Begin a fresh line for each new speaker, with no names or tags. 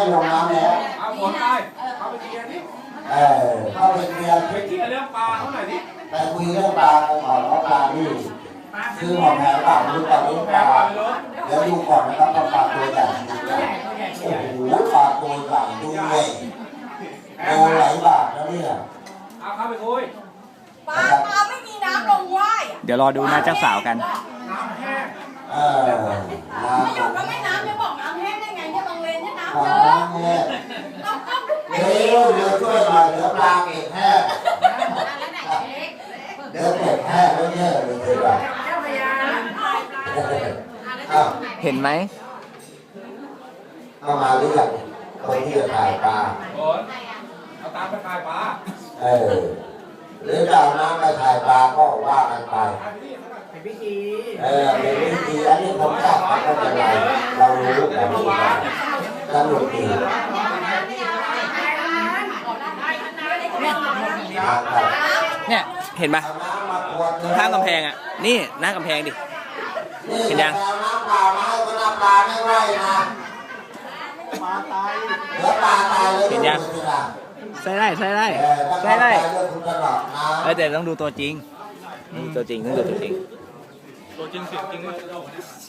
ลงน้ำแล้ว
เอาฝนไปเข้าไปเคลียร์นี่
เข้าไปเคลียร์
ไปเคลียร์เรื่องปลาเขาหน่อยดิ
ไปคุยเรื่องปลากันก่อนว่าปลานี่ซื้อหมอแพงเปล่ารู้ตอนนี้ปลาเดี๋ยวดูก่อนนะครับว่าปลาตัวใหญ่โอ้โหปลาตัวใหญ่ดูเลยโตหลายบาทแล้วเนี่ย
เอาเข้าไปคุย
ปลาไม่มีน้ำลงว่าย
เดี๋ยวรอดูนะเจ้าสาวกัน
น้ำแห้ง
ไม่หยุดแล้วไม่น้ำจะบอกน้ำแห้งได้ไงเนี่ยบางเลนเนี่ยน้ำเย
ปลา
อะ
เนี่ย
ต้องทุกปี
เดี๋ยวช่วยหน่อยเดี๋ยวปลาเก็บแห้งเดี๋ยวเก็บแห้งแล้วเนี่ยเลยดีกว่า
เห็นไหม
เข้ามาหรือยังคนที่จะถ่ายปลา
ฝนเอาตามไปขายปลา
หรือจะเอาน้ำไปถ่ายปลาก็ว่ากันไปเป็นวิธีอันนี้ผมชอบไม่เป็นไรเรารู้แต่ว่าสนุกดีนะครับ
เนี่ยเห็นปะ
เอาน้ำมาขวด
ตรงข้างกำแพงอ่ะนี่หน้ากำแพงดิ เห็นยัง
เอาน้ำเปล่ามาให้ก็น้ำปลาไม่ไหวนะปลาตายเดี๋ยวปลาตายเลย
เห็นยัง ใส่ได้ใส่ได้
ถ้า
ใส่ได้
ปลาตายเลยคุณจะหลอกนะ
แต่ต้องดูตัวจริงต้องดูตัวจริง
ตัวจริงเสียงจริงวะ